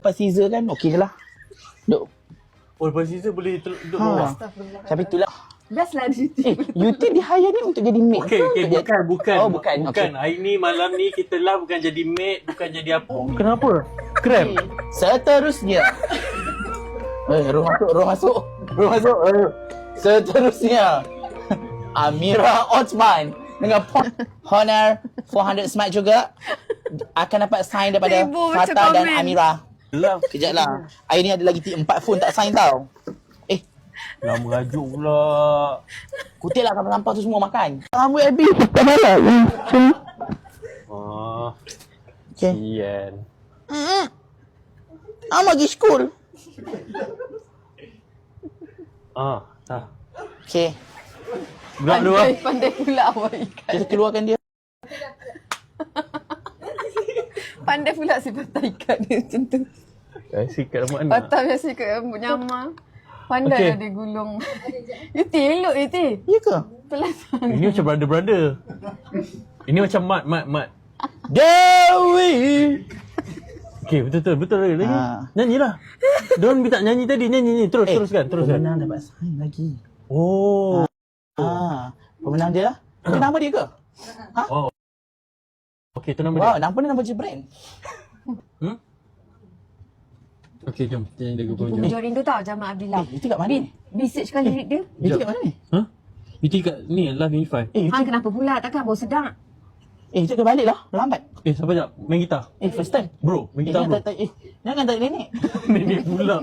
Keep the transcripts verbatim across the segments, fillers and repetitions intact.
Lepas Caesar kan okey je lah. Duk. Oh, lepas Caesar boleh duduk Ha. bawah. Tapi itulah. Best lah di Eh, U T dia hire ni untuk jadi maid. Okey, okey, Dia- bukan, bukan. Oh, bukan. Bukan. Okey. Hari ni, malam ni kita live bukan jadi maid, bukan jadi apa. Kenapa? Krem? Seterusnya. Eh, roh masuk, roh masuk. Roh masuk. Eh. Seterusnya. Amira Osman dengan point Honor empat ratus smart juga akan dapat sign daripada Ibu macam Fatah dan komen. Amira. Lah, Kejap lah. Hari ni ada lagi empat phone tak sign tau. Eh, lah merajuk pula. kutil lah sampah-sampah tu semua makan. Rambut habis. Tak malah. Ah, Okay. sian. I'm pergi school. Ah, dah. Okay. Gerak dulu lah. Pandai, pandai pula awak ikan. Kita keluarkan dia. Pandai pula si patah ikan dia macam tu. Eh, sikat rambut anak. Patah biasa kat rambut nyamar. Pandai Okey. lah dia gulung. Yuti, elok Yuti. Ya ke? Pelan. Ini macam brother-brother. Ini macam mat, mat, mat. Dewi. Okey, betul-betul. Betul lagi. lagi. Ha. Nyanyilah. Diorang minta nyanyi tadi. Nyanyi, nyanyi. Terus, Eh, teruskan, teruskan. Pemenang dapat sign lagi. Oh. Ah, pemenang dia lah. Itu nama dia ke? Ha? Oh. Okey, tu nama Wow, dia. nama dia nama je brand. Hmm? Okey, jom. Kita nyanyi lagu pun. Itu Jorin tu tau, Jamal Abdillah. Eh, itu kat mana ni? Research kan lirik dia. Itu kat mana ni? Ha? Itu kat ni, Live Unify. Eh, itu, Ha, kenapa pula? Takkan bau sedap. eh, itu ke balik lah. Lambat. Eh, siapa sekejap? Main gitar. Eh, first time. Bro, main Eh, gitar jangan bro. tak, tak, eh, jangan tak nenek. Nenek pula.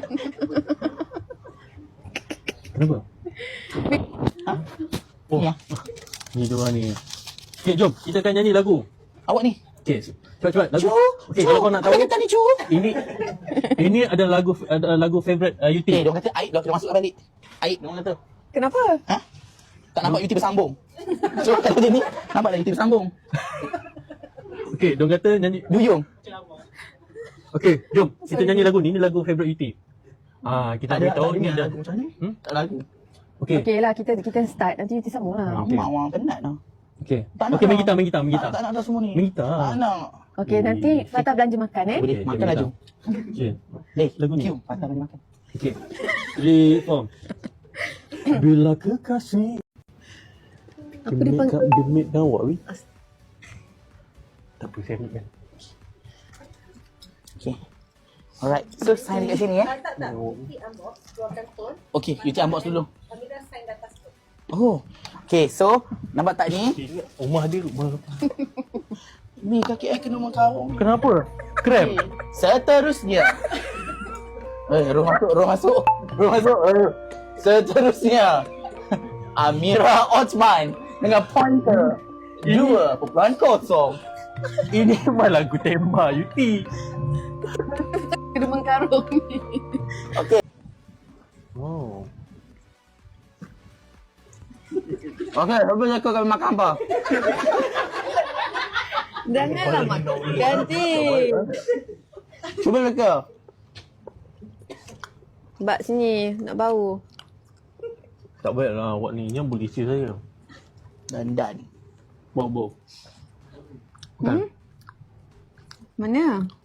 Kenapa? Ha? Oh, Ya. ni diorang ni. Okey, jom. Kita akan nyanyi lagu. Awak ni. Okey, cepat-cepat lagu. Cu, Okey, cu. kalau kau nak tahu, Apa kata ni, cu? ini ini ada lagu ada lagu favorite uh, U T. Eh, dia kata aib dah kita masuk balik. Aib, dia kata. Kenapa? Ha? Tak nampak U T bersambung. So, kata dia ni, nampak dah U T bersambung. Okey, dia kata nyanyi. Duyung. Okey, jom. Kita nyanyi lagu ni. Ini lagu favorite U T. Ah, kita Tak ada, beritahu tak ni ada. lagu macam ni. Hmm? Tak ada lagu. Okey. Okey lah, kita kita start. Nanti Yuti sambung lah. Okey. Mak orang penat dah. Okey. Tak nak Okey, main lah. gitar, main gitar, main Tak, gitar. tak nak dah semua ni. Main gitar. Tak nak. Okey, nanti Fatah belanja makan eh. Boleh, Okey, makan jom laju. Okey. Eh, Lagu ni. cium. Patah boleh makan. Okey. Three, four. Bila kekasih Apa dia panggil? Dia make kan awak weh. Tak apa, saya ambil kan. Okay. Alright. So, sign dekat sini eh. Tak, tak. Nanti unbox, keluarkan phone. Okay, you take unbox dulu. Amira sign di atas tu. Oh. Okay, so, nampak tak ni? Ingat rumah dia rumah apa? Ni kaki I kena mengkarung. Kenapa? Krem? Seterusnya. Eh, roh masuk, roh masuk. Roh masuk. Eh. Seterusnya. Amira Osman dengan pointer dua perpuluhan kosong. Ini memang lagu tema U T. Kena mengkarung ni. Okay. Oh. Okay, apa yang kau akan makan apa? Janganlah makan. Ganti. Cuba mereka. Bak sini, nak bau. Tak baiklah awak ni. Yang boleh isi saya. Dan dan. Bau-bau. Hmm? Mana?